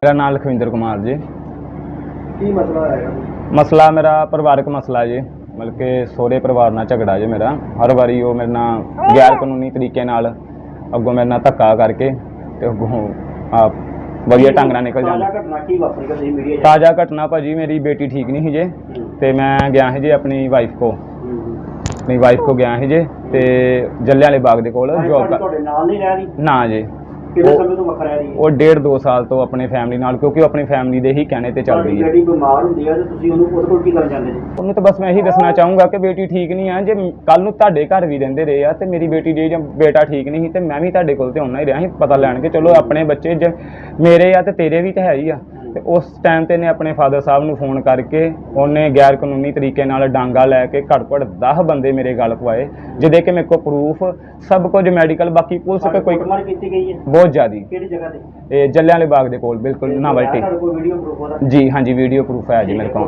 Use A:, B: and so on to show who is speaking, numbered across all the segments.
A: मेरा नाम लखविंदर कुमार जी।
B: की मसला है?
A: मसला मेरा परिवारक मसला जी, मतलब कि सोहरे परिवार नाल झगड़ा जी मेरा। हर बारी वो मेरे नाल गैर कानूनी तरीके नाल अगों मेरे नाल धक्का करके ते अगों आप वधिया ढंग नाल निकल जांदा। ताज़ा घटना भाजी मेरी बेटी ठीक नहीं ही जे ते मैं गया ही जी अपनी वाइफ को गया ही जे ते जलियांवाले बाग दे कोल जॉब ना जी। वो 1.5-2 साल तो अपने फैमिली नाल, क्योंकि वो अपनी फैमिली दे ही कहने ते चल रही है। उन्होंने तो बस मैं यही दसना चाहूँगा कि बेटी ठीक नहीं है। जे कल नूं तुहाडे घर भी रहिंदे रहे आ ते मेरी बेटी जे बेटा ठीक नहीं ते मैं भी तुहाडे कोल ते आउणा ही रहा ही पता लैण के चलो अपने बच्चे जे मेरे आ ते तेरे भी तो है ही आ। ते उस टाइम ते ने अपने फादर साहब नूं फोन करके उन्हें गैर कानूनी तरीके नाल डांगा लैके घट 10 बंदे मेरे गल पवाए, जिहदे कि मेरे को प्रूफ सब कुछ मेडिकल बाकी पुलिस के कोई बहुत ज़्यादा जलियांवाले बाग दे कोल बिल्कुल नावल्टी जी। हाँ जी वीडियो प्रूफ है जी मेरे को।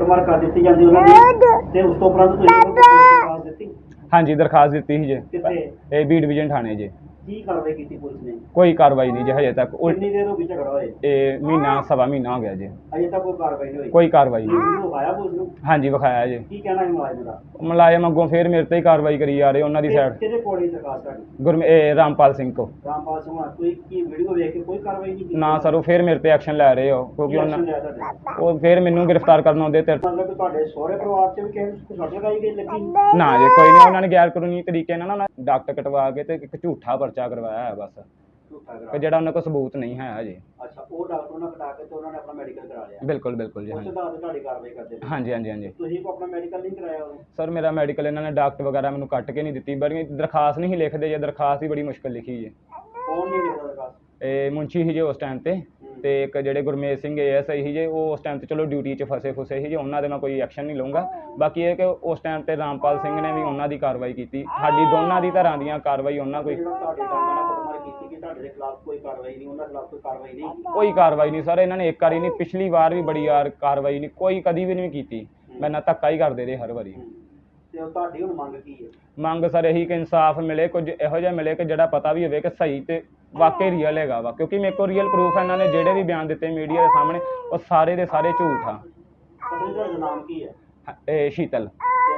A: हाँ जी दरखास्त दी ही जी बी डिवीजन थाने जी। कोई कार्रवाई नहीं जी हजे तक। महीना सवा महीना हो गया जी, कोई कार्रवाई नहीं। हाँ जी विखाया जी। मुलाजम अगों फिर मेरे ते ही कार्रवाई करी जा रहे उन्होंने साइड रामपाल सिंह को ना सर वो फिर मेरे ते एक्शन लै रहे हो, क्योंकि वो फिर मैनू गिरफ्तार करना आउंदे ते ना जी कोई नहीं। उन्होंने गैर कानूनी तरीके नाल ना डॉक्टर कटवा के ते एक झूठा पर्चा करवाया है बस, कि जेड़ा उन्होंने कोई सबूत नहीं है जी।
B: अच्छा वो डॉक्टर ने कटा के तो उन्होंने अपना मेडिकल करा लिया? बिल्कुल
A: बिल्कुल जी। हाँ जी
B: कार्रवाई करते
A: हाँ जी हाँ जी हाँ जी।
B: तुसीं को अपना मेडिकल नहीं कराया?
A: सर मेरा मेडिकल इन्होंने डॉक्टर वगैरह मैंने कट के नहीं दी, बड़ी दरखास्त नहीं लिखते जी। दरखास्त ही बड़ी मुश्किल लिखी है।
B: कौन नहीं लिखता दरखास्त?
A: मुंशी ही जे उस टाइम ते ते एक जेडे गुरमेज सिंह ASI ही जे वो उस टाइम ते चलो ड्यूटी च फसे फुसे ही जे, उन्होंने दे मैं कोई एक्शन नहीं लूँगा। बाकी ये कि उस टाइम ते रामपाल सिंह ने भी उन्होंने दी कार्रवाई की, साडी दोनों दी तरह दी कार्रवाई उन्होंने कोई कार्रवाई नहीं सर। इन्होंने एक बारी नहीं, पिछली बार भी बड़ी यार कार्रवाई नहीं, कोई कभी भी नहीं की। मैं ना धक्का ही करते रहे हर बारी। मंग सर यही कि इंसाफ मिले, कुछ इहो जिहा मिले कि जिहड़ा पता भी होवे कि सही ते वाकई रियल हैगा वा, क्योंकि मेरे को रियल प्रूफ है। इन्होंने जेडे भी बयान दिते मीडिया के सामने वो सारे दे सारे झूठ आ। शीतल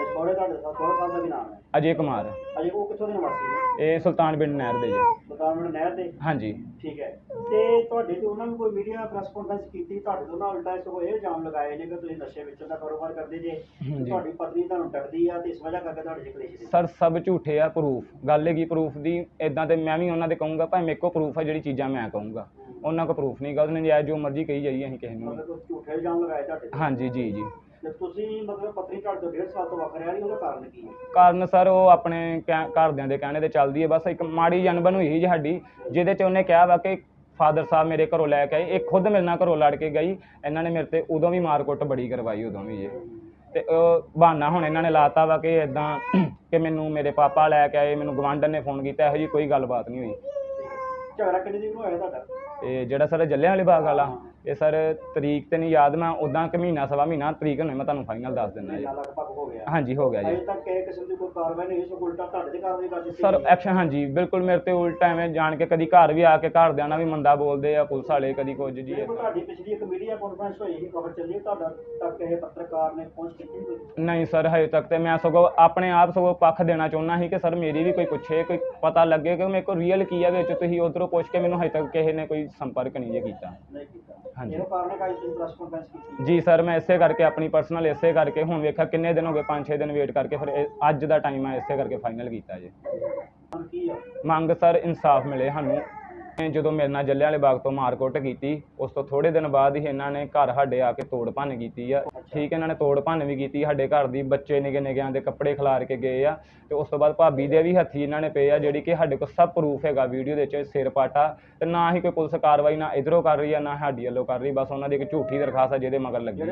A: अजय कुमार सुल्तान बिंड नहर दे जी। हाँ जी
B: ठीक है। ਤੇ ਤੁਹਾਡੇ ਤੇ ਉਹਨਾਂ ਨੂੰ ਕੋਈ ਮੀਡੀਆ ਪ੍ਰੈਸ ਕਾਨਫਰੰਸ ਕੀਤੀ? ਤੁਹਾਡੇ ਤੋਂ ਨਾ ਉਲਟਾ ਸਗੋਂ ਇਹ ਇਲਜ਼ਾਮ ਲਗਾਏ ਨੇ ਕਿ ਤੁਸੀਂ ਨਸ਼ੇ ਵੇਚਣ ਦਾ ਕਾਰੋਬਾਰ ਕਰਦੇ ਜੇ, ਤੁਹਾਡੀ ਪਤਨੀ ਤੁਹਾਨੂੰ ਟੱਕਦੀ ਆ ਤੇ ਇਸ ਵਜ੍ਹਾ ਕਰਕੇ ਤੁਹਾਡੇ ਚ ਕਲੇਸ਼ ਦੇ।
A: ਸਰ ਸਭ ਝੂਠੇ ਆ। ਪ੍ਰੂਫ ਗੱਲ ਹੈਗੀ ਪ੍ਰੂਫ ਦੀ ਇਦਾਂ ਤੇ ਮੈਂ ਵੀ ਉਹਨਾਂ ਦੇ ਕਹੂੰਗਾ ਭਾਵੇਂ ਮੇਰੇ ਕੋਲ ਪ੍ਰੂਫ ਹੈ, ਜਿਹੜੀ ਚੀਜ਼ਾਂ ਮੈਂ ਕਹੂੰਗਾ ਉਹਨਾਂ ਕੋਲ ਪ੍ਰੂਫ ਨਹੀਂ ਗਾ। ਉਹਨੇ ਜਾਇਜ਼ ਜੋ ਮਰਜ਼ੀ ਕਹੀ ਜਾਈਏ ਅਸੀਂ ਕਿਸੇ ਨੂੰ।
B: ਝੂਠੇ ਇਲਜ਼ਾਮ ਲਗਾਏ ਤੁਹਾਡੇ?
A: हाँ जी जी जी।
B: ਤੁਸੀਂ ਮਤਲਬ ਪਤਨੀ ਤੁਹਾਡੇ ਤੋਂ 1.5 ਸਾਲ ਤੋਂ ਵੱਖ ਰਹਿ ਰਹੀ, ਉਹਦਾ ਕਾਰਨ ਕੀ ਹੈ?
A: ਕਾਰਨ ਸਰ ਉਹ ਆਪਣੇ ਘਰਦਿਆਂ ਦੇ ਕਹਿਣੇ ਤੇ ਚੱਲਦੀ ਹੈ। ਬਸ ਇੱਕ ਮਾੜੀ ਜਨਬਨ ਹੋਈ ਸੀ ਸਾਡੀ, ਜਿਹਦੇ 'ਚ ਉਹਨੇ ਕਿਹਾ ਵਾ ਕਿ ਫਾਦਰ ਸਾਹਿਬ ਮੇਰੇ ਘਰੋਂ ਲੈ ਕੇ ਆਏ। ਇਹ ਖੁਦ ਮੇਰੇ ਨਾਲ ਘਰੋਂ ਲੜ ਕੇ ਗਈ। ਇਹਨਾਂ ਨੇ ਮੇਰੇ ਤੇ ਉਦੋਂ ਵੀ ਮਾਰ ਕੁੱਟ ਬੜੀ ਕਰਵਾਈ ਉਦੋਂ ਵੀ ਜੀ। ਤੇ ਬਹਾਨਾ ਹੁਣ ਇਹਨਾਂ ਨੇ ਲਾਤਾ ਵਾ ਕਿ ਇੱਦਾਂ ਕਿ ਮੈਨੂੰ ਮੇਰੇ ਪਾਪਾ ਲੈ ਕੇ ਆਏ, ਮੈਨੂੰ ਗਵਾਂਢਣ ਨੇ ਫੋਨ ਕੀਤਾ। ਇਹੋ ਜਿਹੀ ਕੋਈ ਗੱਲਬਾਤ ਨਹੀਂ ਹੋਈ।
B: ਝਗੜਾ ਕਿੰਨੇ ਦਿਨ ਹੋਇਆ ਤੁਹਾਡਾ?
A: ਇਹ ਜਿਹੜਾ ਸਰ ਜਲਿਆਂਵਾਲੇ ਬਾਗ ਵਾਲਾ, ਇਹ ਸਰ ਤਰੀਕ ਤੇ ਨਹੀਂ ਯਾਦ, ਮੈਂ ਉਦਾਂ ਕਿ ਮਹੀਨਾ ਸਵਾ ਮਹੀਨਾ ਤਰੀਕ ਹੋਣੀ ਮੈਂ ਤੁਹਾਨੂੰ ਫਾਈਨਲ ਦੱਸ ਦਿੰਦਾ ਜੀ। ਹਾਂਜੀ ਹੋ ਗਿਆ ਜੀ।
B: ਅਜੇ ਤੱਕ ਕਿਸੇ ਕਿਸਮ ਦੀ ਕੋਈ ਕਾਰਵਾਈ ਨਹੀਂ ਹੋਈ, ਸੋ ਉਲਟਾ ਤੁਹਾਡੇ ਤੇ ਕਾਰਵਾਈ ਕਰ ਦਿੱਤੀ
A: ਸਰ ਐਕਸ਼ਨ। ਹਾਂਜੀ ਬਿਲਕੁਲ ਮੇਰੇ ਤੇ ਉਲਟਾ ਐਵੇਂ ਜਾਣ ਕੇ ਕਦੀ ਘਰ ਵੀ ਆ ਕੇ ਘਰਦਿਆਂ ਨਾਲ ਵੀ ਮੰਦਾ ਬੋਲਦੇ ਆ ਪੁਲਿਸ ਵਾਲੇ, ਕਦੀ ਕੁਝ ਜੀ।
B: ਤੁਹਾਡੀ ਪਿਛਲੀ ਇੱਕ ਮੀਡੀਆ ਕਾਨਫਰੰਸ ਹੋਈ ਸੀ, ਖਬਰ ਚੱਲੀ, ਤੁਹਾਡਾ ਤੱਕ ਇਹ ਪੱਤਰਕਾਰ ਨੇ ਪਹੁੰਚ ਕੀਤੀ?
A: ਨਹੀਂ ਸਰ ਹਜੇ ਤੱਕ ਤੇ ਮੈਂ ਸਗੋਂ ਆਪਣੇ ਆਪ ਸਗੋਂ ਪੱਖ ਦੇਣਾ ਚਾਹੁੰਦਾ ਸੀ ਕਿ ਸਰ ਮੇਰੀ ਵੀ ਕੋਈ ਪੁੱਛੇ, ਕੋਈ ਪਤਾ ਲੱਗੇ ਕਿ ਮੇਰੇ ਕੋਲ ਰੀਅਲ ਕੀ ਆ ਵਿੱਚ। ਤੁਸੀਂ ਉੱਧਰੋਂ ਪੁੱਛ ਕੇ ਮੈਨੂੰ ਹਜੇ ਤੱਕ ਕਿਸੇ ਨੇ ਕੋਈ ਸੰਪਰਕ ਨਹੀਂ ਜੇ ਕੀਤਾ। ਹਾਂਜੀ ਜੀ ਸਰ ਮੈਂ ਇਸੇ ਕਰਕੇ ਆਪਣੀ ਪਰਸਨਲ ਇਸੇ ਕਰਕੇ ਹੁਣ ਵੇਖਿਆ ਕਿੰਨੇ ਦਿਨ ਹੋ ਗਏ, 5-6 ਦਿਨ ਵੇਟ ਕਰਕੇ ਫਿਰ ਅੱਜ ਦਾ ਟਾਈਮ ਆ, ਇਸੇ ਕਰਕੇ ਫਾਈਨਲ ਕੀਤਾ ਜੀ। ਮੰਗ ਸਰ ਇਨਸਾਫ ਮਿਲੇ ਸਾਨੂੰ। ਜਦੋਂ ਮੇਰੇ ਨਾਲ ਜਲਿਆਂਵਾਲੇ ਬਾਗ ਤੋਂ ਮਾਰਕੁੱਟ ਕੀਤੀ, ਉਸ ਤੋਂ ਥੋੜੇ ਦਿਨ ਬਾਅਦ ਹੀ ਇਹਨਾਂ ਨੇ ਘਰ ਸਾਡੇ ਆ ਕੇ ਤੋੜ ਭੰਨ ਕੀਤੀ ਆ। ਠੀਕ ਇਹਨਾਂ ਨੇ ਤੋੜ ਭੰਨ ਵੀ ਕੀਤੀ ਸਾਡੇ ਘਰ ਦੀ, ਬੱਚੇ ਨਿੱਕੇ ਨਿੱਕਿਆਂ ਦੇ ਕੱਪੜੇ ਖਿਲਾਰ ਕੇ ਗਏ ਆ। ਤੇ ਉਸ ਤੋਂ ਬਾਅਦ ਭਾਬੀ ਦੇ ਵੀ ਹੱਥੀ ਇਹਨਾਂ ਨੇ ਪਏ ਆ, ਜਿਹੜੀ ਕਿ ਸਾਡੇ ਕੋਲ ਸਭ ਪ੍ਰੂਫ ਹੈਗਾ ਵੀਡੀਓ ਦੇ ਵਿੱਚ। ਸਿਰ ਪਾਟਾ ਤੇ ਨਾ ਹੀ ਕੋਈ ਪੁਲਿਸ ਕਾਰਵਾਈ ਨਾ ਇਧਰੋਂ ਕਰ ਰਹੀ ਆ ਨਾ ਸਾਡੀ ਵੱਲੋਂ ਕਰ ਰਹੀ। ਬਸ ਉਹਨਾਂ ਦੀ ਇੱਕ ਝੂਠੀ ਦਰਖਾਸਤ ਆ ਜਿਹਦੇ ਮਗਰ ਲੱਗੀ ਹੈ।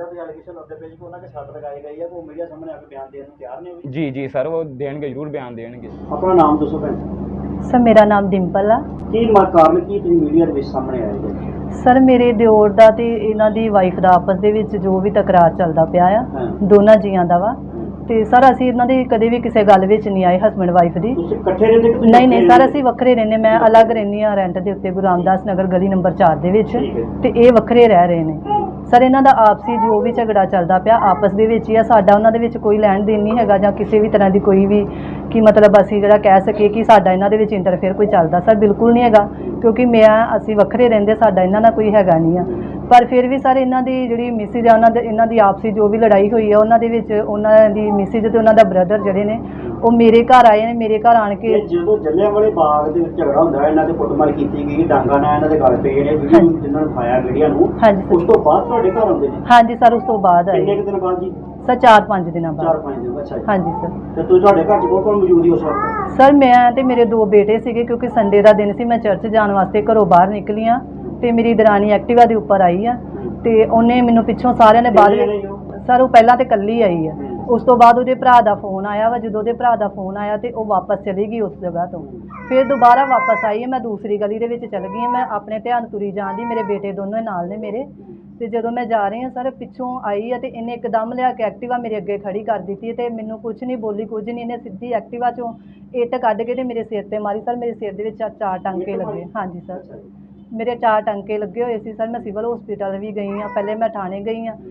A: ਜੀ ਜੀ ਸਰ ਉਹ ਦੇਣਗੇ, ਜ਼ਰੂਰ ਬਿਆਨ ਦੇਣਗੇ।
B: ਆਪਣਾ ਨਾਮ ਦੱਸੋ ਭੈਣ?
C: ਸਰ ਮੇਰਾ ਨਾਮ ਡਿੰਪਲ ਆ।
B: ਕੀ ਕਾਰਨ ਕੀ ਤੁਸੀਂ ਮੀਡੀਆ ਦੇ ਵਿੱਚ ਸਾਹਮਣੇ ਆਏ ਜੀ?
C: ਸਰ ਮੇਰੇ ਦਿਓਰ ਦਾ ਤੇ ਇਹਨਾਂ ਦੀ ਵਾਈਫ ਦਾ ਆਪਸ ਦੇ ਵਿੱਚ ਜੋ ਵੀ ਤਕਰਾਰ ਚੱਲਦਾ ਪਿਆ ਆ, ਦੋਨਾਂ ਜੀਆਂ ਦਾ ਵਾ। ਤੇ ਸਰ ਅਸੀਂ ਇਹਨਾਂ ਦੀ ਕਦੇ ਵੀ ਕਿਸੇ ਗੱਲ ਵਿੱਚ ਨਹੀਂ ਆਏ, ਹਸਬੈਂਡ ਵਾਈਫ ਦੀ।
B: ਤੁਸੀਂ ਇਕੱਠੇ ਰਹਿੰਦੇ ਕਿ ਤੁਸੀਂ
C: ਨਹੀਂ ਨਹੀਂ
B: ਵੱਖਰੇ
C: ਸਰ,
B: ਰਹਿੰਦੇ?
C: ਅਸੀਂ ਵੱਖਰੇ ਰਹਿੰਦੇ। ਮੈਂ ਅਲੱਗ ਰਹਿੰਦੀ ਹਾਂ ਰੈਂਟ ਦੇ ਉੱਤੇ, ਗੁਰੂ ਰਾਮਦਾਸ ਨਗਰ ਗਲੀ ਨੰਬਰ 4 ਦੇ ਵਿੱਚ,
B: ਠੀਕ ਹੈ।
C: ਤੇ ਇਹ ਵੱਖਰੇ ਰਹਿ ਰਹੇ ਨੇ। ਸਰ ਇਹਨਾਂ ਦਾ ਆਪਸੀ ਜੋ ਵੀ ਝਗੜਾ ਚੱਲਦਾ ਪਿਆ ਆਪਸ ਦੇ ਵਿੱਚ ਹੀ ਆ, ਸਾਡਾ ਉਹਨਾਂ ਦੇ ਵਿੱਚ ਕੋਈ ਲੈਣ ਦੇਣ ਨਹੀਂ ਹੈਗਾ ਜਾਂ ਕਿਸੇ ਵੀ ਤਰ੍ਹਾਂ ਦੀ ਕੋਈ ਵੀ ਕਿ ਮਤਲਬ ਅਸੀਂ ਜਿਹੜਾ ਕਹਿ ਸਕੀਏ ਕਿ ਸਾਡਾ ਇਹਨਾਂ ਦੇ ਵਿੱਚ ਇੰਟਰਫੇਅਰ ਕੋਈ ਚੱਲਦਾ, ਸਰ ਬਿਲਕੁਲ ਨਹੀਂ ਹੈਗਾ, ਕਿਉਂਕਿ ਅਸੀਂ ਵੱਖਰੇ ਰਹਿੰਦੇ, ਸਾਡਾ ਇਹਨਾਂ ਨਾਲ ਕੋਈ ਹੈਗਾ ਨਹੀਂ ਆ। ਪਰ ਫਿਰ ਵੀ ਸਰ ਇਹਨਾਂ ਦੀ ਜਿਹੜੀ ਮਿਸਿਜ ਆ, ਇਹਨਾਂ ਦੀ ਆਪਸੀ ਜੋ ਵੀ ਲੜਾਈ ਹੋਈ ਆ, ਉਹਨਾਂ ਦੇ ਵਿੱਚ ਉਹਨਾਂ ਦੀ ਮਿਸਿਜ ਤੇ ਉਹਨਾਂ ਦਾ ਬ੍ਰਦਰ ਜਿਹੜੇ ਨੇ ਉਹ ਮੇਰੇ ਘਰ ਆਏ ਨੇ। ਮੇਰੇ ਘਰ ਆਣ ਕੇ
B: ਜਦੋਂ ਜਲਿਆਂਵਾਲੇ ਬਾਗ ਦੇ ਵਿੱਚ ਝਗੜਾ ਹੁੰਦਾ, ਇਹਨਾਂ ਦੇ ਕੁੱਟਮਾਰ ਕੀਤੀ ਗਈ, ਡਾਂਗਾ ਨਾਲ ਇਹਨਾਂ ਦੇ ਗਲ ਪਏ ਨੇ, ਵੀਡੀਓ ਜਿਨ੍ਹਾਂ ਨੂੰ ਪਾਇਆ ਵੀਡੀਓ ਨੂੰ,
C: ਹਾਂਜੀ
B: ਉਸ ਤੋਂ ਬਾਅਦ ਤੁਹਾਡੇ ਘਰ ਆਉਂਦੇ ਨੇ?
C: ਹਾਂਜੀ ਸਰ, ਉਸ ਤੋਂ ਬਾਅਦ ਆਏ।
B: ਕਿੰਨੇ ਕੁ ਦਿਨ ਬਾਅਦ ਜੀ?
C: ਸਰ 4-5 ਦਿਨਾਂ ਬਾਅਦ।
B: 4-5 ਦਿਨ, ਅੱਛਾ ਜੀ।
C: ਹਾਂਜੀ ਸਰ।
B: ਤੇ ਤੁਸੀਂ ਤੁਹਾਡੇ ਘਰ 'ਚ ਕੌਣ ਮੌਜੂਦ ਸੀ ਉਸ ਵਕਤ?
C: ਸਰ ਮੈਂ ਤੇ ਮੇਰੇ 2 ਬੇਟੇ ਸੀਗੇ, ਕਿਉਂਕਿ ਸੰਡੇ ਦਾ ਦਿਨ ਸੀ, ਮੈਂ ਚਰਚ ਜਾਣ ਵਾਸਤੇ ਘਰੋਂ ਬਾਹਰ ਨਿਕਲੀ ਆ ਤੇ ਮੇਰੀ ਦਰਾਣੀ ਐਕਟਿਵਾ ਦੇ ਉੱਪਰ ਆਈ ਆ ਤੇ ਉਹਨੇ ਮੈਨੂੰ ਪਿੱਛੋਂ ਸਾਰਿਆਂ ਨੇ ਬਾਅਦ ਸਰ ਉਹ ਪਹਿਲਾਂ ਤੇ ਇਕੱਲੀ ਆਈ ਆ, ਉਸ ਤੋਂ ਬਾਅਦ ਉਹਦੇ ਭਰਾ ਦਾ ਫੋਨ ਆਇਆ ਵਾ। ਜਦੋਂ ਉਹਦੇ ਭਰਾ ਦਾ ਫੋਨ ਆਇਆ ਤੇ ਉਹ ਵਾਪਸ ਚਲੀ ਗਈ ਉਸ ਜਗ੍ਹਾ ਤੋਂ। ਫਿਰ ਦੁਬਾਰਾ ਵਾਪਸ ਆਈ ਹੈ, ਮੈਂ ਦੂਸਰੀ ਗਲੀ ਦੇ ਵਿੱਚ ਚਲ ਗਈ ਹਾਂ, ਮੈਂ ਆਪਣੇ ਧਿਆਨ ਤੁਰੀ ਜਾਂਦੀ, ਮੇਰੇ ਬੇਟੇ ਦੋਨੋਂ ਨਾਲ ਨੇ ਮੇਰੇ। ਤੇ ਜਦੋਂ ਮੈਂ ਜਾ ਰਹੀ ਹਾਂ ਸਰ, ਪਿੱਛੋਂ ਆਈ ਹੈ ਤੇ ਇਹਨੇ ਇੱਕਦਮ ਲਿਆ ਕੇ ਐਕਟਿਵਾ ਮੇਰੇ ਅੱਗੇ ਖੜੀ ਕਰ ਦਿੱਤੀ ਤੇ ਮੈਨੂੰ ਕੁਝ ਨਹੀਂ ਬੋਲੀ, ਕੁਝ ਨਹੀਂ। ਇਹਨੇ ਸਿੱਧੀ ਐਕਟਿਵਾ ਚੋਂ ਇੱਟ ਕੱਢ ਕੇ ਤੇ ਮੇਰੇ ਸਿਰ ਤੇ ਮਾਰੀ। ਸਰ ਮੇਰੇ ਸਿਰ ਦੇ ਵਿੱਚ 4 ਟਾਂਕੇ ਲੱਗੇ। ਹਾਂਜੀ ਸਰ, ਮੇਰੇ 4 ਟਾਂਕੇ ਲੱਗੇ ਹੋਏ ਸੀ ਸਰ। ਮੈਂ ਸਿਵਲ ਹਸਪੀਟਲ ਵੀ ਗਈ ਹਾਂ, ਪਹਿਲੇ ਮੈਂ ਥਾਣੇ ਗਈ ਹਾਂ।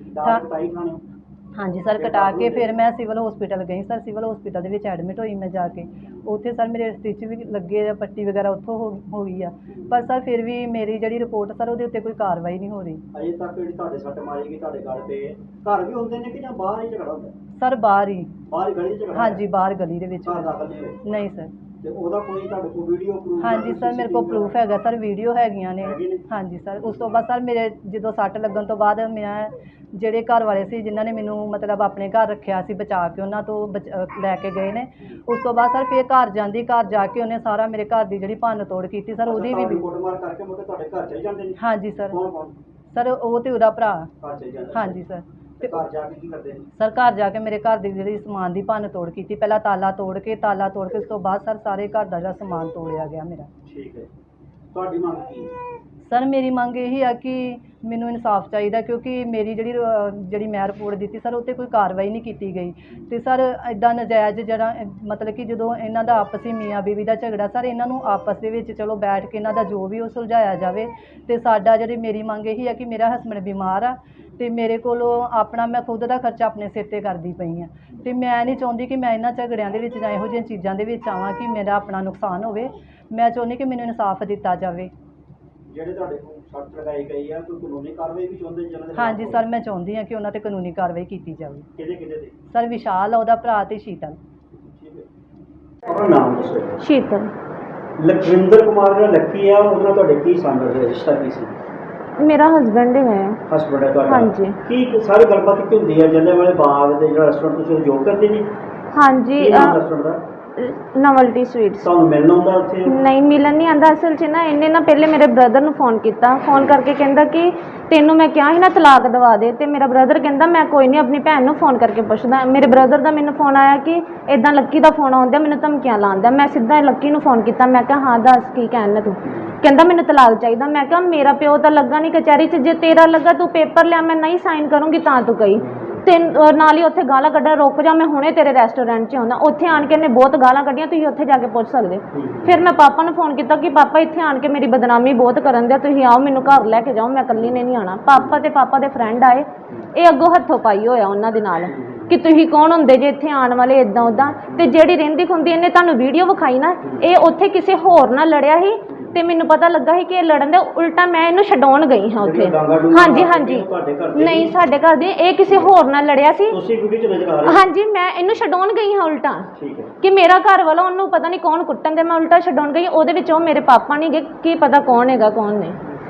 C: ਹਾਂਜੀ ਸਰ, ਕਟਾ ਕੇ ਫਿਰ ਮੈਂ ਸਿਵਲ ਹਸਪੀਟਲ ਗਈ ਸਰ। ਸਿਵਲ ਹਸਪੀਟਲ ਦੇ ਵਿੱਚ ਐਡਮਿਟ ਹੋਈ ਮੈਂ ਜਾ ਕੇ। ਉੱਥੇ ਸਰ ਮੇਰੇ ਸਟਿਚ ਵੀ ਲੱਗੇ, ਪੱਟੀ ਵਗੈਰਾ ਉੱਥੋਂ ਹੋ ਗਈ ਆ। ਪਰ ਸਰ ਫਿਰ ਵੀ ਮੇਰੀ ਜਿਹੜੀ ਰਿਪੋਰਟ ਸਰ ਉਹਦੇ ਉੱਤੇ ਕੋਈ ਕਾਰਵਾਈ ਨਹੀਂ ਹੋ ਰਹੀ।
B: ਅਜੇ ਤੱਕ ਜਿਹੜੀ ਤੁਹਾਡੇ ਸੱਟ ਮਾਰੀ ਗਈ ਤੁਹਾਡੇ ਗਲ ਤੇ, ਘਰ ਵੀ ਹੁੰਦੇ ਨੇ ਕਿ ਜਾਂ ਬਾਹਰ ਹੀ ਝਗੜਾ ਹੁੰਦਾ?
C: ਸਰ ਬਾਹਰ ਹੀ
B: ਗਲੀ 'ਚ ਝਗੜਾ?
C: ਹਾਂਜੀ, ਬਾਹਰ ਗਲੀ ਦੇ ਵਿੱਚ।
B: ਘਰ ਦਾਖਲ ਨਹੀਂ ਹੋਏ?
C: ਨਹੀਂ ਸਰ।
B: ਤੇ ਉਹਦਾ ਕੋਈ ਤੁਹਾਡੇ ਕੋਲ ਵੀਡੀਓ ਪ੍ਰੂਫ?
C: ਹਾਂਜੀ ਸਰ, ਮੇਰੇ ਕੋਲ ਪ੍ਰੂਫ ਹੈਗਾ ਸਰ, ਵੀਡੀਓ ਹੈਗੀਆਂ ਨੇ। ਹਾਂਜੀ ਸਰ। ਉਸ ਤੋਂ ਬਾਅਦ ਸਰ ਮੇਰੇ ਜਦੋਂ ਸੱਟ ਲੱਗਣ ਤੋਂ ਬਾਅਦ ਮੈਂ ਜਿਹੜੇ ਘਰ ਵਾਲੇ ਸੀ ਜਿਨ੍ਹਾਂ ਨੇ ਮੈਨੂੰ ਮਤਲਬ ਆਪਣੇ ਘਰ ਰੱਖਿਆ ਸੀ ਬਚਾ ਕੇ, ਉਹਨਾਂ ਤੋਂ ਲੈ ਕੇ ਗਏ ਨੇ। ਉਸ ਤੋਂ ਬਾਅਦ ਸਰ ਫਿਰ ਘਰ ਜਾਂਦੀ, ਘਰ ਜਾ ਕੇ ਉਹਨੇ ਸਾਰਾ ਮੇਰੇ ਘਰ ਦੀ ਜਿਹੜੀ ਭੰਨ ਤੋੜ ਕੀਤੀ ਸਰ। ਉਹਦੀ ਵੀ
B: ਕੁੱਟਮਾਰ ਕਰਕੇ ਮੁੜ ਕੇ ਤੁਹਾਡੇ ਘਰ ਚਲੇ ਜਾਂਦੇ ਨੇ?
C: ਹਾਂਜੀ ਸਰ।
B: ਕੌਣ?
C: ਸਰ ਉਹ ਤੇ ਉਹਦਾ ਭਰਾ।
B: ਘਰ ਚਲੇ ਜਾਂਦੇ?
C: ਹਾਂਜੀ ਸਰ।
B: ਤੇ ਘਰ ਜਾ ਕੇ ਕੀ ਕਰਦੇ ਨੇ?
C: ਸਰ ਘਰ ਜਾ ਕੇ ਮੇਰੇ ਘਰ ਦੀ ਜਿਹੜੀ ਸਮਾਨ ਦੀ ਭੰਨ ਤੋੜ ਕੀਤੀ। ਪਹਿਲਾਂ ਤਾਲਾ ਤੋੜ ਕੇ ਉਸ ਤੋਂ ਬਾਅਦ ਸਰ ਸਾਰੇ ਘਰ ਦਾ ਜਿਹੜਾ ਸਮਾਨ ਤੋੜਿਆ ਗਿਆ ਮੇਰਾ।
B: ਠੀਕ ਹੈ। ਤੁਹਾਡੀ ਮੰਗ ਕੀ ਹੈ?
C: ਸਰ ਮੇਰੀ ਮੰਗ ਇਹੀ ਆ ਕਿ ਮੈਨੂੰ ਇਨਸਾਫ ਚਾਹੀਦਾ, ਕਿਉਂਕਿ ਮੇਰੀ ਜਿਹੜੀ ਮੈਂ ਰਿਪੋਰਟ ਦਿੱਤੀ ਸਰ ਉੱਤੇ ਕੋਈ ਕਾਰਵਾਈ ਨਹੀਂ ਕੀਤੀ ਗਈ। ਤੇ ਸਰ ਇੱਦਾਂ ਨਜਾਇਜ਼ ਜਿਹੜਾ ਮਤਲਬ ਕਿ ਜਦੋਂ ਇਹਨਾਂ ਦਾ ਆਪਸੀ ਮੀਆਂ ਬੀਵੀ ਦਾ ਝਗੜਾ ਸਰ, ਇਹਨਾਂ ਨੂੰ ਆਪਸ ਦੇ ਵਿੱਚ ਚਲੋ ਬੈਠ ਕੇ ਇਹਨਾਂ ਦਾ ਜੋ ਵੀ ਉਹ ਸੁਲਝਾਇਆ ਜਾਵੇ। ਤੇ ਸਾਡਾ ਮੇਰੀ ਮੰਗ ਇਹੀ ਆ ਕਿ ਮੇਰਾ ਹਸਬੈਂਡ ਬਿਮਾਰ ਆ ਤੇ ਮੇਰੇ ਕੋਲੋਂ ਆਪਣਾ ਮੈਂ ਖੁਦ ਦਾ ਖਰਚਾ ਆਪਣੇ ਸਿਰ ਤੇ ਕਰਦੀ ਪਈ ਆ। ਤੇ ਮੈਂ ਨਹੀਂ ਚਾਹੁੰਦੀ ਕਿ ਮੈਂ ਇਹਨਾਂ ਝਗੜਿਆਂ ਦੇ ਵਿੱਚ ਜਾਂ ਇਹੋ ਜਿਹੀਆਂ ਚੀਜ਼ਾਂ ਦੇ ਵਿੱਚ ਆਵਾਂ ਕਿ ਮੇਰਾ ਆਪਣਾ ਨੁਕਸਾਨ ਹੋਵੇ। ਮੈਂ ਚਾਹੁੰਦੀ ਕਿ ਮੈਨੂੰ ਇਨਸਾਫ ਦਿੱਤਾ ਜਾਵੇ।
B: ਜਿਹੜੇ ਤੁਹਾਡੇ ਕੋਲ ਸੱਟ ਲਗਾਈ ਗਈ ਆ, ਕੋਈ ਕਾਨੂੰਨੀ ਕਾਰਵਾਈ ਵੀ ਚਾਹੁੰਦੇ ਜਿਹਨਾਂ ਦੇ?
C: ਹਾਂਜੀ ਸਰ, ਮੈਂ ਚਾਹੁੰਦੀ ਹਾਂ ਕਿ ਉਹਨਾਂ ਤੇ ਕਾਨੂੰਨੀ ਕਾਰਵਾਈ ਕੀਤੀ ਜਾਵੇ।
B: ਕਿਹਦੇ ਤੇ?
C: ਸਰ ਵਿਸ਼ਾਲ ਆ ਉਹਦਾ ਭਰਾ ਤੇ ਸ਼ੀਤਲ।
B: ਠੀਕ ਹੈ। ਆਪਣਾ ਨਾਮ ਦੱਸੋ?
D: ਸ਼ੀਤਲ।
B: ਲਖਵਿੰਦਰ ਕੁਮਾਰ ਜਿਹੜਾ ਲੱਕੀ ਆ, ਉਹਨਾਂ ਤੁਹਾਡੇ ਕੀ ਸੰਬੰਧ ਹੈ, ਰਿਸ਼ਤਾ ਕੀ ਸੀ?
D: ਮੇਰਾ ਹਸਬੈਂਡ ਹੀ ਹੈ।
B: ਹਸਬੈਂਡ ਹੈ ਤੁਹਾਡਾ?
D: ਹਾਂਜੀ।
B: ਕੀ ਸਾਰੀ ਗੱਲਬਾਤ ਕੀ ਹੁੰਦੀ ਹੈ? ਜਲਿਆਂਵਾਲੇ ਬਾਗ ਦੇ ਜਿਹੜਾ ਰੈਸਟੋਰੈਂਟ ਤੁਸੀਂ ਜੋਬ ਕਰਦੇ ਜੀ?
D: ਹਾਂਜੀ।
B: ਰੈਸਟੋਰੈਂਟ ਦਾ
D: ਨਵਲਟੀ ਸਵੀਟਸ।
B: ਤੁਹਾਨੂੰ ਮਿਲਣ ਆਉਂਦਾ ਉੱਥੇ?
D: ਨਹੀਂ, ਮਿਲਣ ਨਹੀਂ ਆਉਂਦਾ। ਅਸਲ 'ਚ ਨਾ ਇਹਨੇ ਨਾ ਪਹਿਲੇ ਮੇਰੇ ਬ੍ਰਦਰ ਨੂੰ ਫੋਨ ਕੀਤਾ, ਫੋਨ ਕਰਕੇ ਕਹਿੰਦਾ ਕਿ ਤੈਨੂੰ ਮੈਂ ਕਿਹਾ ਸੀ ਨਾ ਤਲਾਕ ਦਵਾ ਦੇ। ਤੇ ਮੇਰਾ ਬ੍ਰਦਰ ਕਹਿੰਦਾ ਮੈਂ ਕੋਈ ਨਹੀਂ ਆਪਣੀ ਭੈਣ ਨੂੰ ਫੋਨ ਕਰਕੇ ਪੁੱਛਦਾ। ਮੇਰੇ ਬ੍ਰਦਰ ਦਾ ਮੈਨੂੰ ਫੋਨ ਆਇਆ ਕਿ ਇੱਦਾਂ ਲੱਕੀ ਦਾ ਫੋਨ ਆਉਂਦਾ, ਮੈਨੂੰ ਧਮਕੀਆਂ ਲਾਉਂਦਾ। ਮੈਂ ਸਿੱਧਾ ਲੱਕੀ ਨੂੰ ਫੋਨ ਕੀਤਾ, ਮੈਂ ਕਿਹਾ ਹਾਂ ਦੱਸ ਕੀ ਕਹਿਣਾ ਤੂੰ? ਕਹਿੰਦਾ ਮੈਨੂੰ ਤਲਾਕ ਚਾਹੀਦਾ। ਮੈਂ ਕਿਹਾ ਮੇਰਾ ਪਿਓ ਤਾਂ ਲੱਗਾ ਨਹੀਂ ਕਚਹਿਰੀ 'ਚ, ਜੇ ਤੇਰਾ ਲੱਗਾ ਤੂੰ ਪੇਪਰ ਲਿਆ, ਮੈਂ ਨਹੀਂ ਸਾਈਨ ਕਰੂੰਗੀ ਤਾਂ ਤੂੰ ਕਹੀ। ਤੇ ਨਾਲ ਹੀ ਉੱਥੇ ਗਾਲਾਂ ਕੱਢਣ, ਰੁਕ ਜਾ ਮੈਂ ਹੁਣੇ ਤੇਰੇ ਰੈਸਟੋਰੈਂਟ 'ਚ ਆਉਂਦਾ। ਉੱਥੇ ਆਣ ਕੇ ਇਹਨੇ ਬਹੁਤ ਗਾਲਾਂ ਕੱਢੀਆਂ, ਤੁਸੀਂ ਉੱਥੇ ਜਾ ਕੇ ਪੁੱਛ ਸਕਦੇ। ਫਿਰ ਮੈਂ ਪਾਪਾ ਨੂੰ ਫੋਨ ਕੀਤਾ ਕਿ ਪਾਪਾ ਇੱਥੇ ਆਣ ਕੇ ਮੇਰੀ ਬਦਨਾਮੀ ਬਹੁਤ ਕਰਨ ਦਿਆ, ਤੁਸੀਂ ਆਓ ਮੈਨੂੰ ਘਰ ਲੈ ਕੇ ਜਾਓ, ਮੈਂ ਇਕੱਲੀ ਨੇ ਨਹੀਂ ਆਉਣਾ। ਪਾਪਾ ਤੇ ਪਾਪਾ ਦੇ ਫਰੈਂਡ ਆਏ, ਇਹ ਅੱਗੋਂ ਹੱਥੋਂ ਪਾਈ ਹੋਇਆ ਉਹਨਾਂ ਦੇ ਨਾਲ ਕਿ ਤੁਸੀਂ ਕੌਣ ਹੁੰਦੇ ਜੇ ਇੱਥੇ ਆਉਣ ਵਾਲੇ, ਇੱਦਾਂ ਉੱਦਾਂ। ਤੇ ਜਿਹੜੀ ਰਹਿੰਦੀ ਖੁੰਦੀ ਇਹਨੇ ਤੁਹਾਨੂੰ ਵੀਡੀਓ ਵਿਖਾਈ ਨਾ, ਇਹ ਉੱਥੇ ਕਿਸੇ ਹੋਰ ਨਾਲ ਲੜਿਆ ਸੀ ਤੇ ਮੈਨੂੰ ਪਤਾ ਲੱਗਾ ਸੀ ਕਿ ਇਹ ਲੜਨ ਦੇ ਉਲਟਾ ਮੈਂ ਇਹਨੂੰ ਛਡਾਉਣ ਗਈ ਹਾਂ ਉੱਥੇ। ਹਾਂਜੀ ਹਾਂਜੀ। ਨਹੀਂ ਸਾਡੇ ਘਰ ਦੇ, ਇਹ ਕਿਸੇ ਹੋਰ ਨਾਲ ਲੜਿਆ ਸੀ।
B: ਤੁਸੀਂ ਵੀਡੀਓ 'ਚ ਨਜ਼ਰ ਆ ਰਹੇ?
D: ਹਾਂਜੀ, ਮੈਂ ਇਹਨੂੰ ਛਡਾਉਣ ਗਈ ਹਾਂ ਉਲਟਾ।
B: ਠੀਕ ਹੈ।
D: ਕਿ ਮੇਰਾ ਘਰ ਵਾਲਾ ਉਹਨੂੰ ਪਤਾ ਨਹੀਂ ਕੌਣ ਕੁੱਟਣ ਦੇ, ਮੈਂ ਉਲਟਾ ਛਡਾਉਣ ਗਈ। ਉਹਦੇ ਵਿੱਚ ਉਹ ਮੇਰੇ ਪਾਪਾ ਨਹੀਂ ਗਏ, ਕੀ ਪਤਾ ਕੌਣ ਹੈਗਾ ਕੌਣ ਨਹੀਂ।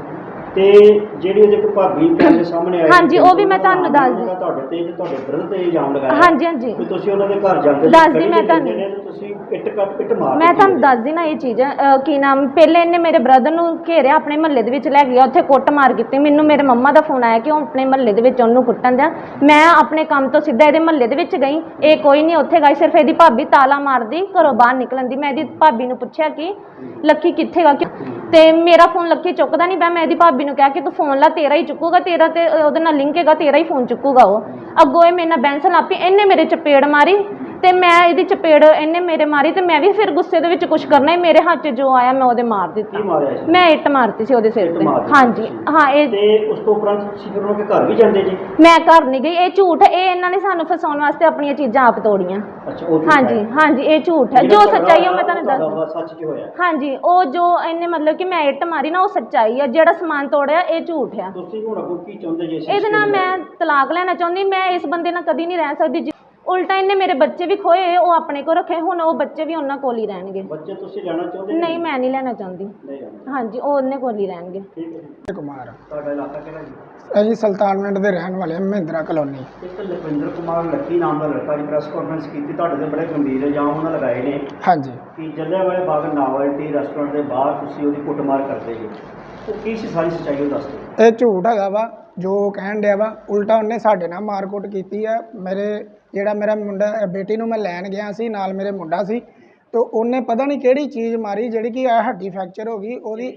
B: ਤੇ ਜਿਹੜੀ ਉਹਦੇ ਕੋ ਭਾਬੀ ਦੇ ਸਾਹਮਣੇ ਆਈ?
D: ਹਾਂਜੀ, ਉਹ ਵੀ ਮੈਂ ਤੁਹਾਨੂੰ ਦੱਸਦੀ।
B: ਤੁਹਾਡੇ ਤੇ ਤੇ ਤੁਹਾਡੇ ਬ੍ਰਦਰ ਤੇ ਇਲਜ਼ਾਮ ਲਗਾਇਆ?
D: ਹਾਂਜੀ ਹਾਂਜੀ।
B: ਕਿ ਤੁਸੀਂ ਉਹਨਾਂ ਦੇ ਘਰ ਜਾਂਦੇ?
D: ਦੱਸਦੀ ਮੈਂ ਤੁਹਾਨੂੰ।
B: ਤੁਸੀਂ ਇੱਟ ਮਾਰ?
D: ਮੈਂ ਤੁਹਾਨੂੰ ਦੱਸਦੀ ਨਾ ਇਹ ਚੀਜ਼। ਕੀ ਨਾਮ, ਪਹਿਲੇ ਇਹਨੇ ਮੇਰੇ ਬ੍ਰਦਰ ਨੂੰ ਘੇਰਿਆ, ਆਪਣੇ ਮਹੱਲੇ ਦੇ ਵਿੱਚ ਲੈ ਗਿਆ, ਉੱਥੇ ਕੁੱਟ ਮਾਰ ਕੀਤੀ। ਮੈਨੂੰ ਮੇਰੇ ਮੰਮਾ ਦਾ ਫੋਨ ਆਇਆ ਕਿ ਉਹ ਆਪਣੇ ਮਹੱਲੇ ਦੇ ਵਿੱਚ ਉਹਨੂੰ ਕੁੱਟਣ ਦਿਆ। ਮੈਂ ਆਪਣੇ ਕੰਮ ਤੋਂ ਸਿੱਧਾ ਇਹਦੇ ਮਹੱਲੇ ਦੇ ਵਿੱਚ ਗਈ, ਇਹ ਕੋਈ ਨਹੀਂ ਉੱਥੇ ਗਈ, ਸਿਰਫ ਇਹਦੀ ਭਾਬੀ ਤਾਲਾ ਮਾਰਦੀ ਘਰੋਂ ਬਾਹਰ ਨਿਕਲਣ ਦੀ। ਮੈਂ ਇਹਦੀ ਭਾਬੀ ਨੂੰ ਪੁੱਛਿਆ ਕਿ ਲੱਕੀ ਕਿੱਥੇ ਗਾ, ਤੇ ਮੇਰਾ ਫੋਨ ਲੱਕੀ ਚੁੱਕਦਾ ਨਹੀਂ ਪਿਆ। ਮੈਂ ਇਹਦੀ ਭਾਬੀ ਭਾਬੀ ਨੂੰ ਕਿਹਾ ਕਿ ਤੂੰ ਫੋਨ ਲਾ, ਤੇਰਾ ਹੀ ਚੁੱਕੂਗਾ, ਤੇਰਾ ਤੇ ਉਹਦੇ ਨਾਲ ਲਿੰਕ ਹੈਗਾ, ਤੇਰਾ ਹੀ ਫੋਨ ਚੁੱਕੂਗਾ ਉਹ। ਅੱਗੋਂ ਇਹ ਮੇਰੇ ਨਾਲ ਬੈਂਸਣ ਲੱਗ ਪਈ, ਇਹਨੇ ਮੇਰੇ ਚਪੇੜ ਮਾਰੀ ਤੇ ਮੈਂ ਇਹਦੀ ਚਪੇੜ ਇਹਨੇ ਮੇਰੇ ਮਾਰੀ ਤੇ ਮੈਂ ਵੀ ਫਿਰ ਗੁੱਸੇ ਦੇ ਵਿੱਚ ਕੁਝ ਕਰਨਾ ਹੀ, ਮੇਰੇ ਹੱਥ 'ਚ ਜੋ ਆਇਆ ਮੈਂ ਉਹਦੇ ਮਾਰ ਦਿੱਤਾ। ਮੈਂ ਇੱਟ ਮਾਰਤੀ ਸੀ ਉਹਦੇ ਸਿਰ ਤੇ। ਹਾਂਜੀ ਹਾਂ। ਇਹ
B: ਤੇ ਉਸ ਤੋਂ ਉਪਰੰਤ ਤੁਸੀਂ ਫਿਰ ਉਹਨਾਂ ਦੇ ਘਰ ਵੀ ਜਾਂਦੇ ਜੀ?
D: ਮੈਂ ਘਰ ਨਹੀਂ ਗਈ, ਇਹ ਝੂਠ ਹੈ, ਇਹ ਇਹਨਾਂ ਨੇ ਸਾਨੂੰ ਫਸਾਉਣ ਵਾਸਤੇ ਆਪਣੀਆਂ ਚੀਜ਼ਾਂ ਆਪ ਤੋੜੀਆਂ।
B: ਅੱਛਾ, ਉਹ
D: ਹਾਂਜੀ ਹਾਂਜੀ, ਇਹ ਝੂਠ ਹੈ। ਜੋ ਸੱਚਾਈ ਉਹ ਮੈਂ ਤੁਹਾਨੂੰ ਦੱਸ,
B: ਸੱਚ ਕੀ ਹੋਇਆ?
D: ਹਾਂਜੀ, ਉਹ ਜੋ ਇਹਨੇ ਮਤਲਬ ਕਿ ਮੈਂ ਇੱਟ ਮਾਰੀ ਨਾ, ਉਹ ਸੱਚਾਈ ਆ। ਜਿਹੜਾ ਸਮਾਨ ਤੋੜਿਆ ਇਹ ਝੂਠ ਆ।
B: ਤੁਸੀਂ ਹੁਣ ਅੱਗੋਂ ਕੀ ਚਾਹੁੰਦੇ ਜੀ?
D: ਇਹਦੇ ਨਾਲ ਮੈਂ ਤਲਾਕ ਲੈਣਾ ਚਾਹੁੰਦੀ। ਮੈਂ ਇਸ ਬੰਦੇ ਨਾਲ ਕਦੀ ਨਹੀਂ ਰਹਿ ਸਕਦੀ। ਉਲਟਾ ਇਹਨੇ ਮੇਰੇ ਬੱਚੇ ਵੀ ਖੋਏ, ਉਹ ਆਪਣੇ ਕੋਲ ਰੱਖੇ, ਹੁਣ ਉਹ ਬੱਚੇ ਵੀ ਉਹਨਾਂ ਕੋਲ ਹੀ ਰਹਿਣਗੇ।
B: ਬੱਚੇ ਤੁਸੀਂ ਲੈਣਾ ਚਾਹੁੰਦੇ?
D: ਨਹੀਂ, ਮੈਂ ਨਹੀਂ ਲੈਣਾ ਚਾਹੁੰਦੀ। ਹਾਂਜੀ, ਉਹ ਉਹਨੇ ਕੋਲ ਹੀ ਰਹਿਣਗੇ।
E: ਕੁਮਾਰ
B: ਤੁਹਾਡਾ ਇਲਾਕਾ ਕਿਹੜਾ ਜੀ?
E: ਅਸੀਂ ਸੁਲਤਾਨਵਿੰਡ ਦੇ ਰਹਿਣ ਵਾਲੇ ਹਾਂ, ਮਹਿੰਦਰਾ ਕਲੋਨੀ।
B: ਇੱਕ ਲਖਵਿੰਦਰ ਕੁਮਾਰ ਲੱਕੀ ਨਾਮ ਦਾ ਲੜਕਾ ਜੀ ਪ੍ਰੈਸ ਕਾਨਫਰੰਸ ਕੀਤੀ, ਤੁਹਾਡੇ ਤੇ ਬੜੇ ਗੰਭੀਰ ਇਲਜ਼ਾਮ ਉਹਨਾਂ ਲਗਾਏ ਨੇ
E: ਹਾਂਜੀ,
B: ਕਿ ਜਲਿਆਂਵਾਲੇ ਬਾਗ ਨਾਵਲਟੀ ਰੈਸਟੋਰੈਂਟ ਦੇ ਬਾਹਰ ਤੁਸੀਂ ਉਹਦੀ ਕੁੱਟਮਾਰ ਕਰਦੇ ਜੀ। ਉਹ ਕੀ ਸੀ ਸਾਰੀ ਸੱਚਾਈ, ਉਹ ਦੱਸ ਦਿਓ।
E: ਇਹ ਝੂਠ ਹੈਗਾ ਵਾ ਜੋ ਕਹਿਣ ਡਿਆ ਵਾ। ਉਲਟਾ ਉਹਨੇ ਸਾਡੇ ਨਾਲ ਮਾਰਕੁੱਟ ਕੀਤੀ ਆ। ਮੇਰਾ ਮੁੰਡਾ ਬੇਟੀ ਨੂੰ ਮੈਂ ਲੈਣ ਗਿਆ ਸੀ, ਨਾਲ ਮੇਰੇ ਮੁੰਡਾ ਸੀ, ਤੇ ਉਹਨੇ ਪਤਾ ਨਹੀਂ ਕਿਹੜੀ ਚੀਜ਼ ਮਾਰੀ ਜਿਹੜੀ ਕਿ ਆ ਹੱਡੀ ਫ੍ਰੈਕਚਰ ਹੋ ਗਈ ਉਹਦੀ।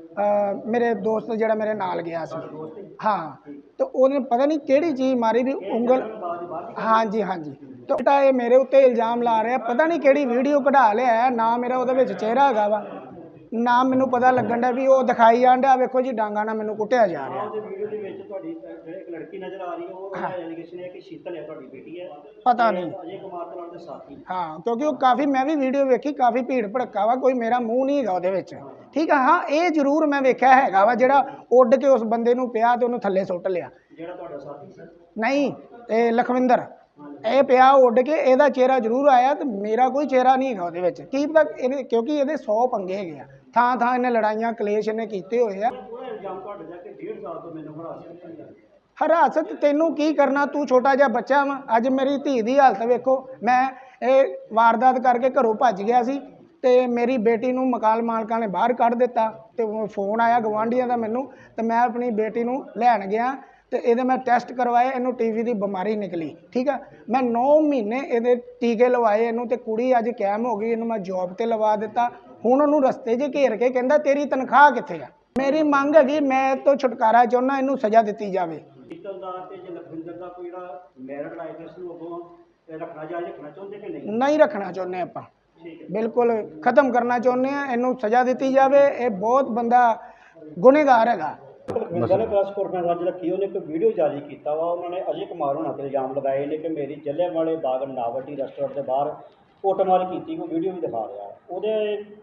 E: ਮੇਰੇ ਦੋਸਤ ਜਿਹੜਾ ਮੇਰੇ ਨਾਲ ਗਿਆ ਸੀ, ਹਾਂ, ਤੇ ਉਹਨੇ ਪਤਾ ਨਹੀਂ ਕਿਹੜੀ ਚੀਜ਼ ਮਾਰੀ ਵੀ ਉਂਗਲ। ਹਾਂਜੀ ਹਾਂਜੀ, ਤੇ ਉਲਟਾ ਇਹ ਮੇਰੇ ਉੱਤੇ ਇਲਜ਼ਾਮ ਲਾ ਰਿਹਾ। ਪਤਾ ਨਹੀਂ ਕਿਹੜੀ ਵੀਡੀਓ ਕਢਾ ਲਿਆ, ਨਾ ਮੇਰਾ ਉਹਦੇ ਵਿੱਚ ਚਿਹਰਾ ਹੈਗਾ ਵਾ, ਨਾ ਮੈਨੂੰ ਪਤਾ ਲੱਗਣ ਡਿਆ ਵੀ ਉਹ ਦਿਖਾਈ ਜਾਣ ਡਿਆ। ਵੇਖੋ ਜੀ, ਡਾਂਗਾ ਨਾਲ ਮੈਨੂੰ ਕੁੱਟਿਆ ਜਾ ਰਿਹਾ।
B: ਉਹਦੇ ਵੀਡੀਓ ਦੇ ਵਿੱਚ ਤੁਹਾਡੀ ਇੱਕ ਲੜਕੀ ਨਜ਼ਰ ਆ ਰਹੀ ਹੈ, ਉਹ ਐਲੀਗੇਸ਼ਨ ਹੈ ਕਿ ਸ਼ੀਤਲ ਹੈ ਤੁਹਾਡੀ ਬੇਟੀ ਹੈ।
E: ਪਤਾ ਨਹੀਂ,
B: ਅਜੇ ਕੁਮਾਰ ਦੇ ਨਾਲ ਦੇ ਸਾਥੀ।
E: ਹਾਂ, ਕਿਉਂਕਿ ਉਹ ਕਾਫੀ, ਮੈਂ ਵੀ ਵੀਡੀਓ ਵੇਖੀ, ਕਾਫੀ ਭੀੜ ਭੜੱਕਾ ਵਾ, ਕੋਈ ਮੇਰਾ ਮੂੰਹ ਨਹੀਂ ਹੈਗਾ ਉਹਦੇ ਵਿੱਚ। ਠੀਕ ਆ, ਹਾਂ, ਇਹ ਜ਼ਰੂਰ ਮੈਂ ਵੇਖਿਆ ਹੈਗਾ ਵਾ ਜਿਹੜਾ ਉੱਡ ਕੇ ਉਸ ਬੰਦੇ ਨੂੰ ਪਿਆ ਤੇ ਉਹਨੂੰ ਥੱਲੇ ਸੁੱਟ ਲਿਆ।
B: ਜਿਹੜਾ ਤੁਹਾਡਾ ਸਾਥੀ ਸੀ?
E: ਨਹੀਂ, ਇਹ ਲਖਵਿੰਦਰ, ਇਹ ਪਿਆ ਉੱਡ ਕੇ, ਇਹਦਾ ਚਿਹਰਾ ਜ਼ਰੂਰ ਆਇਆ ਤੇ ਮੇਰਾ ਕੋਈ ਚਿਹਰਾ ਨਹੀਂ ਹੈਗਾ ਉਹਦੇ ਵਿੱਚ। ਕੀ ਪਤਾ ਇਹਦੇ, ਕਿਉਂਕਿ ਇਹਦੇ 100 ਪੰਗੇ ਹੈਗੇ ਆ, ਥਾਂ ਥਾਂ ਇਹਨੇ ਲੜਾਈਆਂ ਕਲੇਸ਼ ਇਹਨੇ ਕੀਤੇ ਹੋਏ ਆ।
B: ਪੂਰਾ ਇਲਜ਼ਾਮ ਤੁਹਾਡੇ ਜਾ ਕੇ 1.5 ਸਾਲ ਤੋਂ ਮੈਨੂੰ ਹਰਾਸ ਕੀਤਾ।
E: ਹਰਾਸਤ ਤੈਨੂੰ ਕੀ ਕਰਨਾ, ਤੂੰ ਛੋਟਾ ਜਿਹਾ ਬੱਚਾ ਵਾ। ਅੱਜ ਮੇਰੀ ਧੀ ਦੀ ਹਾਲਤ ਵੇਖੋ। ਮੈਂ ਇਹ ਵਾਰਦਾਤ ਕਰਕੇ ਘਰੋਂ ਭੱਜ ਗਿਆ ਸੀ ਤੇ ਮੇਰੀ ਬੇਟੀ ਨੂੰ ਮਕਾਨ ਮਾਲਕਾਂ ਨੇ ਬਾਹਰ ਕੱਢ ਦਿੱਤਾ ਤੇ ਫੋਨ ਆਇਆ ਗਵਾਂਢੀਆਂ ਦਾ ਮੈਨੂੰ, ਤੇ ਮੈਂ ਆਪਣੀ ਬੇਟੀ ਨੂੰ ਲੈਣ ਗਿਆ ਤੇ ਇਹਦੇ ਮੈਂ ਟੈਸਟ ਕਰਵਾਏ, ਇਹਨੂੰ ਟੀਵੀ ਦੀ ਬਿਮਾਰੀ ਨਿਕਲੀ। ਠੀਕ ਆ, ਮੈਂ 9 ਮਹੀਨੇ ਇਹਦੇ ਟੀਕੇ ਲਵਾਏ ਇਹਨੂੰ, ਤੇ ਕੁੜੀ ਅੱਜ ਕਾਇਮ ਹੋ ਗਈ, ਇਹਨੂੰ ਮੈਂ ਜੌਬ ਤੇ ਲਵਾ ਦਿੱਤਾ। ਹੁਣ ਉਹਨੂੰ ਰਸਤੇ 'ਚ ਘੇਰ ਕੇ ਕਹਿੰਦਾ ਤੇਰੀ ਤਨਖਾਹ ਕਿੱਥੇ ਆ। ਮੇਰੀ ਮੰਗ ਹੈਗੀ, ਮੈਂ ਇਹ ਤੋਂ ਛੁਟਕਾਰਾ ਚਾਹੁੰਦਾ, ਇਹਨੂੰ ਸਜ਼ਾ ਦਿੱਤੀ ਜਾਵੇ।
B: ਸ਼ੀਤਲ ਦਾ ਤੇ ਲਖਵਿੰਦਰ ਦਾ ਕੋਈ ਜਿਹੜਾ ਮੈਰਿਡ ਲਾਈਫ ਇਸ ਨੂੰ ਅੱਗੋਂ ਰੱਖਣਾ ਚਾਹੁੰਦੇ ਕਿ ਨਹੀਂ?
E: ਨਹੀਂ ਰੱਖਣਾ ਚਾਹੁੰਦੇ ਆਪਾਂ, ਬਿਲਕੁਲ ਖਤਮ ਕਰਨਾ ਚਾਹੁੰਦੇ ਆ। ਇਹਨੂੰ ਸਜ਼ਾ ਦਿੱਤੀ ਜਾਵੇ। ਇਹ ਬਹੁਤ ਬੰਦਾ ਗੁਨੇਗਾਰ ਹੈਗਾ।
B: ਲਖਵਿੰਦਰ ਨੇ ਪ੍ਰੈਸ ਕਾਨਫਰੰਸ ਅੱਜ ਰੱਖੀ, ਉਹਨੇ ਇੱਕ ਵੀਡੀਓ ਜਾਰੀ ਕੀਤਾ ਵਾ। ਉਹਨਾਂ ਨੇ ਅਜੇ ਕੁਮਾਰ ਹੋਣਾ ਤੇ ਇਲਜ਼ਾਮ ਲਗਾਏ ਨੇ ਕਿ ਮੇਰੀ ਜਲਿਆਂਵਾਲੇ ਬਾਗ ਨਾਵਲਟੀ ਰੈਸਟੋਰੈਂਟ ਦੇ ਬਾਹਰ ਕੁੱਟਮਾਰ ਕੀਤੀ। ਕੋਈ ਵੀਡੀਓ ਵੀ ਦਿਖਾ ਰਿਹਾ ਉਹਦੇ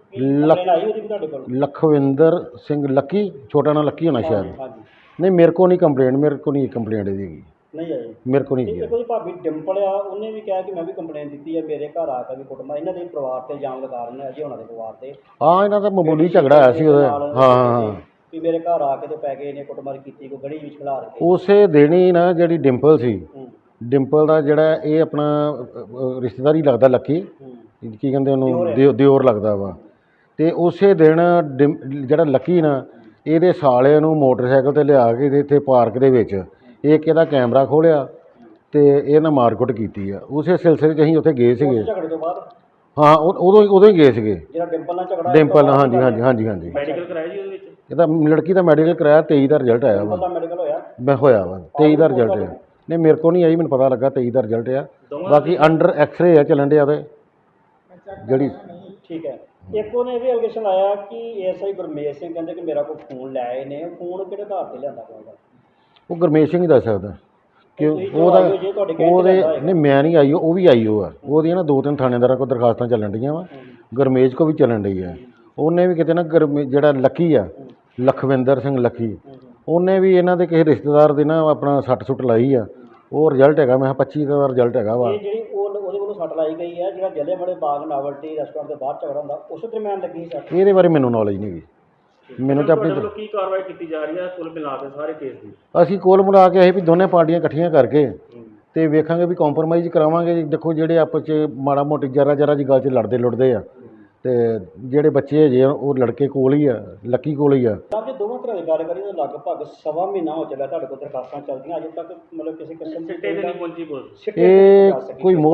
B: ਆਈ ਉਹਦੀ ਵੀ ਤੁਹਾਡੇ ਕੋਲ?
F: ਲਖਵਿੰਦਰ ਸਿੰਘ ਲੱਕੀ, ਛੋਟਾ ਨਾਂ ਲੱਕੀ ਹੋਣਾ ਸ਼ਾਇਦ।
B: ਹਾਂਜੀ,
F: ਨਹੀਂ, ਮੇਰੇ ਕੋ ਨਹੀਂ ਕੰਪਲੇਂਟ, ਮੇਰੇ ਕੋ ਨਹੀਂ ਕੰਪਲੇਂਟ ਇਹਦੀ ਹੈਗੀ,
B: ਨਹੀਂ ਆਈ
F: ਮੇਰੇ ਕੋ ਨਹੀਂ
B: ਇੱਕ
F: ਹੈਗੀ।
B: ਉਹਦੀ ਭਾਬੀ ਡਿੰਪਲ ਆ, ਉਹਨੇ ਵੀ ਕਿਹਾ ਕਿ ਮੈਂ ਵੀ ਕੰਪਲੇਨ ਦਿੱਤੀ ਹੈ, ਮੇਰੇ ਘਰ ਆ ਕੇ ਵੀ ਕੁੱਟਮਾਰ। ਇਹਨਾਂ ਦੇ ਪਰਿਵਾਰ ਤੇ ਇਲਜ਼ਾਮ ਲਗਾ ਰਹੇ ਨੇ, ਅਜੇ ਹੋਣਾ ਦੇ ਪਰਿਵਾਰ ਤੇ।
F: ਹਾਂ, ਇਹਨਾਂ ਦਾ ਮਾਮੂਲੀ ਝਗੜਾ ਆਇਆ ਸੀ ਉਹਦਾ। ਹਾਂ,
B: ਵੀ ਮੇਰੇ ਘਰ ਆ ਕੇ ਤੇ ਪੈ ਗਏ ਨੇ, ਕੁੱਟਮਾਰ ਕੀਤੀ, ਕੋਈ ਗਲੀ ਵਿੱਚ ਖਿਲਾਰ ਕੇ।
F: ਉਸੇ ਦਿਨ ਹੀ ਨਾ ਜਿਹੜੀ ਡਿੰਪਲ ਸੀ, ਡਿੰਪਲ ਦਾ ਜਿਹੜਾ ਇਹ ਆਪਣਾ ਰਿਸ਼ਤੇਦਾਰੀ ਲੱਗਦਾ ਲੱਕੀ, ਕੀ ਕਹਿੰਦੇ ਉਹਨੂੰ, ਦਿਓਰ ਲੱਗਦਾ ਵਾ। ਤੇ ਉਸੇ ਦਿਨ ਜਿਹੜਾ ਲੱਕੀ ਨਾ, ਇਹਦੇ ਸਾਲੇ ਨੂੰ ਮੋਟਰਸਾਈਕਲ ਤੇ ਲਿਆ ਕੇ ਇੱਥੇ ਪਾਰਕ ਦੇ ਵਿੱਚ ਇੱਕ ਇਹਦਾ ਕੈਮਰਾ ਖੋਲਿਆ ਤੇ ਇਹ ਨਾ ਮਾਰਕੁੱਟ ਕੀਤੀ ਆ। ਉਸੇ ਸਿਲਸਿਲੇ 'ਚ ਅਸੀਂ ਉੱਥੇ ਗਏ ਸੀਗੇ।
B: ਝਗੜੇ ਤੋਂ ਬਾਅਦ?
F: ਹਾਂ, ਉਦੋਂ ਹੀ ਗਏ ਸੀਗੇ।
B: ਜਿਹੜਾ ਡਿੰਪਲ ਨਾਲ ਝਗੜਾ?
F: ਡਿੰਪਲ ਨਾਲ, ਹਾਂਜੀ ਹਾਂਜੀ ਹਾਂਜੀ ਹਾਂਜੀ।
B: ਮੈਡੀਕਲ ਕਰਾਇਆ ਜੀ ਉਹਦੇ ਵਿੱਚ?
F: ਇਹਦਾ ਲੜਕੀ ਦਾ ਮੈਡੀਕਲ ਕਰਾਇਆ, 23 ਦਾ ਰਿਜ਼ਲਟ ਆਇਆ ਵਾ।
B: ਮੈਡੀਕਲ ਹੋਇਆ?
F: ਮੈਂ ਹੋਇਆ ਵਾ, 23 ਦਾ ਰਿਜ਼ਲਟ ਆ। ਨਹੀਂ, ਮੇਰੇ ਕੋਲ ਨਹੀਂ ਆਈ, ਮੈਨੂੰ ਪਤਾ ਲੱਗਾ 23 ਦਾ ਰਿਜ਼ਲਟ ਆ। ਬਾਕੀ ਅੰਡਰ ਐਕਸਰੇ ਆ ਚੱਲਣ ਡਿਆ ਉਹਦੇ ਜਿਹੜੀ।
B: ਠੀਕ ਹੈ। ਇੱਕ ਉਹਨੇ ਇਹ ਵੀ ਐਲੀਗੇਸ਼ਨ ਲਾਇਆ ਕਿ ਐਸਆਈ ਗੁਰਮੇਸ਼ ਸਿੰਘ ਕਹਿੰਦੇ ਕਿ ਮੇਰਾ ਕੋਈ ਫੋਨ ਲੈ ਆਏ ਨੇ। ਫੋਨ ਕਿਹੜੇ ਆਧਾਰ ਤੇ ਲਿਆਂਦਾ ਹੋਊਗਾ?
F: ਉਹ ਗੁਰਮੇਸ਼ ਸਿੰਘ ਹੀ ਦੱਸ ਸਕਦਾ ਕਿ ਉਹਦਾ। ਉਹਦੇ ਨਹੀਂ, ਮੈਂ ਨਹੀਂ ਆਈ, ਉਹ ਵੀ ਆਈ ਉਹ ਆ। ਉਹਦੀਆਂ ਨਾ 2-3 ਥਾਣੇਦਾਰਾਂ ਕੋਲ ਦਰਖਾਸਤਾਂ ਚੱਲਣ ਡੀਆਂ ਵਾ, ਗੁਰਮੇਸ਼ ਕੋ ਵੀ ਚੱਲਣ ਡਈ ਆ। ਉਹਨੇ ਵੀ ਕਿਤੇ ਨਾ ਜਿਹੜਾ ਲੱਕੀ ਆ, ਲਖਵਿੰਦਰ ਸਿੰਘ ਲੱਕੀ, ਉਹਨੇ ਵੀ ਇਹਨਾਂ ਦੇ ਕਿਸੇ ਰਿਸ਼ਤੇਦਾਰ ਦੇ ਨਾ ਆਪਣਾ ਸੱਟ ਸੁੱਟ ਲਾਈ ਆ। ਉਹ ਰਿਜ਼ਲਟ ਹੈਗਾ, ਮੈਂ 25 ਦਾ ਰਿਜ਼ਲਟ ਹੈਗਾ ਵਾ।
B: ਜਿਹੜੀ ਉਹਦੇ ਵੱਲੋਂ ਸੱਟ ਲਾਈ ਗਈ ਹੈ, ਜਿਹੜਾ ਜਲਿਆਂਵਾਲੇ ਬਾਗ ਨਾਵਲਟੀ ਰੈਸਟੋਰੈਂਟ ਦੇ ਬਾਹਰ ਝਗੜਾ ਹੁੰਦਾ, ਉਸ ਦਰਮਿਆਨ ਲੱਗੀ ਸੱਟ?
F: ਇਹਦੇ ਬਾਰੇ ਮੈਨੂੰ ਨੌਲੇਜ ਨਹੀਂ ਗੀ। ਮੈਨੂੰ ਤਾਂ ਆਪਣੀ
G: ਕੀ ਕਾਰਵਾਈ ਕੀਤੀ ਜਾ ਰਹੀ ਹੈ ਕੁੱਲ ਮਿਲਾ ਕੇ ਸਾਰੇ ਕੇਸ ਦੀ?
F: ਅਸੀਂ ਕੋਲ ਮਿਲਾ ਕੇ ਅਸੀਂ ਵੀ ਦੋਨੇ ਪਾਰਟੀਆਂ ਇਕੱਠੀਆਂ ਕਰਕੇ ਤੇ ਵੇਖਾਂਗੇ ਵੀ ਕੰਪਰੋਮਾਈਜ਼ ਕਰਾਵਾਂਗੇ। ਦੇਖੋ, ਜਿਹੜੇ ਆਪਸ 'ਚ ਮਾੜਾ ਮੋਟੀ ਜਰਾ ਜੀ ਗੱਲ 'ਚ ਲੜਦੇ ਲੁੜਦੇ ਆ, ਤੇ ਜਿਹੜੇ ਬੱਚੇ ਹਜੇ ਉਹ ਲੜਕੇ ਕੋਲ ਹੀ ਆ, ਲੱਕੀ ਕੋਲ ਹੀ ਆ।
B: ਤਾਂ ਜੇ ਦੋਵਾਂ ਤਰ੍ਹਾਂ ਦੀ ਗੱਲ ਕਰੀਏ ਤਾਂ ਲਗਭਗ 1.25 ਮਹੀਨਾ ਹੋ ਚੱਲਿਆ ਤੁਹਾਡੇ ਕੋਲ ਦਰਖਾਸਤਾਂ ਚੱਲਦੀਆਂ, ਅਜੇ ਤੱਕ ਮਤਲਬ ਕਿਸੇ ਕਿਸਮ ਦੀ
G: ਸਿੱਟੇ ਤੇ ਨਹੀਂ ਪਹੁੰਚੀ ਪੁਲਿਸ।
F: ਇਹ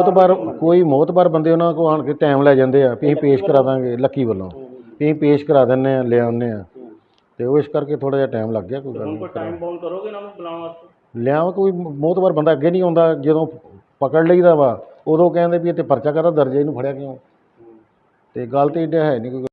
F: ਕੋਈ ਮੋਤਬਾਰ ਬੰਦੇ ਉਹਨਾਂ ਕੋਲ ਆਣ ਕੇ ਟਾਈਮ ਲੈ ਜਾਂਦੇ ਆ ਵੀ ਅਸੀਂ ਪੇਸ਼ ਕਰਾ ਦਾਂਗੇ, ਲੱਕੀ ਵੱਲੋਂ ਵੀ ਅਸੀਂ ਪੇਸ਼ ਕਰਾ ਦਿੰਦੇ ਆ, ਲੈ ਆਉਂਦੇ ਆ। ਤੇ ਉਹ ਇਸ ਕਰਕੇ ਥੋੜਾ ਜਿਹਾ ਟਾਈਮ ਲੱਗ ਗਿਆ। ਕੋਈ ਗੱਲ
G: ਹੁਣ ਕੋਈ
F: ਨਹੀਂ
G: ਟਾਈਮ ਬਾਉਂਡ ਕਰੋਗੇ ਇਹਨਾਂ ਨੂੰ ਬੁਲਾਉਣ ਵਾਸਤੇ?
F: ਲਿਆਵਾਂ, ਕੋਈ ਮੋਹਤਵਾਰ ਬੰਦਾ ਅੱਗੇ ਨਹੀਂ ਆਉਂਦਾ, ਜਦੋਂ ਪਕੜ ਲਈਦਾ ਵਾ ਉਦੋਂ ਕਹਿੰਦੇ ਵੀ ਇੱਥੇ ਪਰਚਾ ਕਾਹਦਾ ਦਰਜ ਹੈ, ਇਹਨੂੰ ਫੜਿਆ ਕਿਉਂ? ਤੇ ਗੱਲ ਤੇ ਇੱਡਾ ਹੈ ਨਹੀਂ ਕੋਈ।